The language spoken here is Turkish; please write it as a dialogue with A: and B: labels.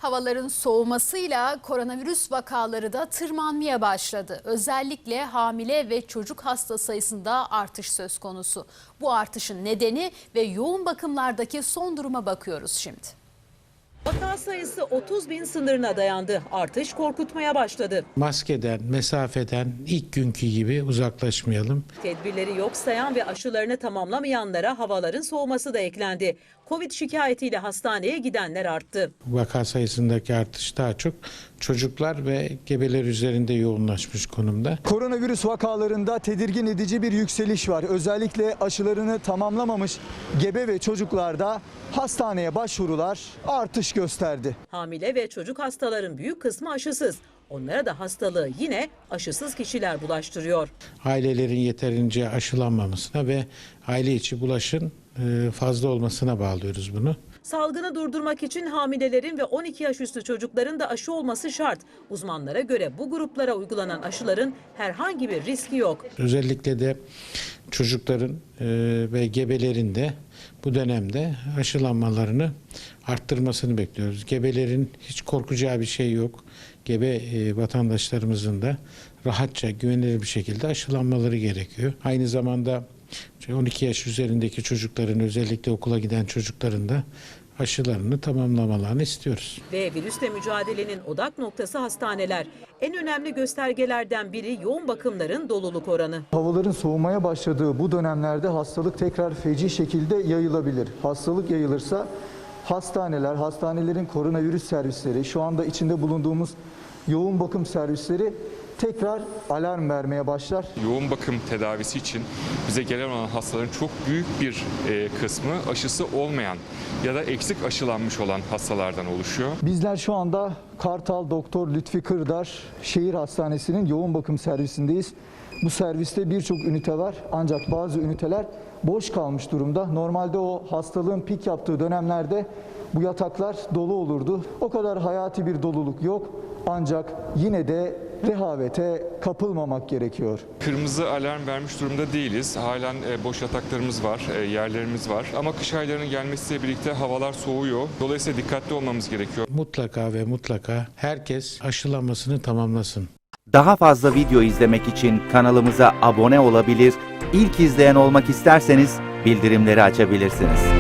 A: Havaların soğumasıyla koronavirüs vakaları da tırmanmaya başladı. Özellikle hamile ve çocuk hasta sayısında artış söz konusu. Bu artışın nedeni ve yoğun bakımlardaki son duruma bakıyoruz şimdi.
B: Vaka sayısı 30.000 sınırına dayandı. Artış korkutmaya başladı.
C: Maskeden, mesafeden ilk günkü gibi uzaklaşmayalım.
B: Tedbirleri yok sayan ve aşılarını tamamlamayanlara havaların soğuması da eklendi. Covid şikayetiyle hastaneye gidenler arttı.
C: Vaka sayısındaki artış daha çok çocuklar ve gebeler üzerinde yoğunlaşmış konumda.
D: Koronavirüs vakalarında tedirgin edici bir yükseliş var. Özellikle aşılarını tamamlamamış gebe ve çocuklarda hastaneye başvurular artış gösterdi.
B: Hamile ve çocuk hastaların büyük kısmı aşısız. Onlara da hastalığı yine aşısız kişiler bulaştırıyor.
C: Ailelerin yeterince aşılanmamasına ve aile içi bulaşın fazla olmasına bağlıyoruz bunu.
B: Salgını durdurmak için hamilelerin ve 12 yaş üstü çocukların da aşı olması şart. Uzmanlara göre bu gruplara uygulanan aşıların herhangi bir riski yok.
C: Özellikle de çocukların ve gebelerin de bu dönemde aşılanmalarını arttırmasını bekliyoruz. Gebelerin hiç korkacağı bir şey yok. Gebe vatandaşlarımızın da rahatça, güvenilir bir şekilde aşılanmaları gerekiyor. Aynı zamanda 12 yaş üzerindeki çocukların, özellikle okula giden çocukların da aşılarını tamamlamalarını istiyoruz.
B: Ve virüsle mücadelenin odak noktası hastaneler. En önemli göstergelerden biri yoğun bakımların doluluk oranı.
D: Havaların soğumaya başladığı bu dönemlerde hastalık tekrar feci şekilde yayılabilir. Hastalık yayılırsa hastaneler, hastanelerin koronavirüs servisleri, şu anda içinde bulunduğumuz yoğun bakım servisleri tekrar alarm vermeye başlar.
E: Yoğun bakım tedavisi için bize gelen olan hastaların çok büyük bir kısmı aşısı olmayan ya da eksik aşılanmış olan hastalardan oluşuyor.
D: Bizler şu anda Kartal Doktor Lütfi Kırdar Şehir Hastanesi'nin yoğun bakım servisindeyiz. Bu serviste birçok ünite var ancak bazı üniteler boş kalmış durumda. Normalde o hastalığın pik yaptığı dönemlerde bu yataklar dolu olurdu. O kadar hayati bir doluluk yok ancak yine de rehavete kapılmamak gerekiyor.
E: Kırmızı alarm vermiş durumda değiliz. Halen boş yataklarımız var, yerlerimiz var. Ama kış aylarının gelmesiyle birlikte havalar soğuyor. Dolayısıyla dikkatli olmamız gerekiyor.
C: Mutlaka ve mutlaka herkes aşılanmasını tamamlasın.
F: Daha fazla video izlemek için kanalımıza abone olabilir, İlk izleyen olmak isterseniz bildirimleri açabilirsiniz.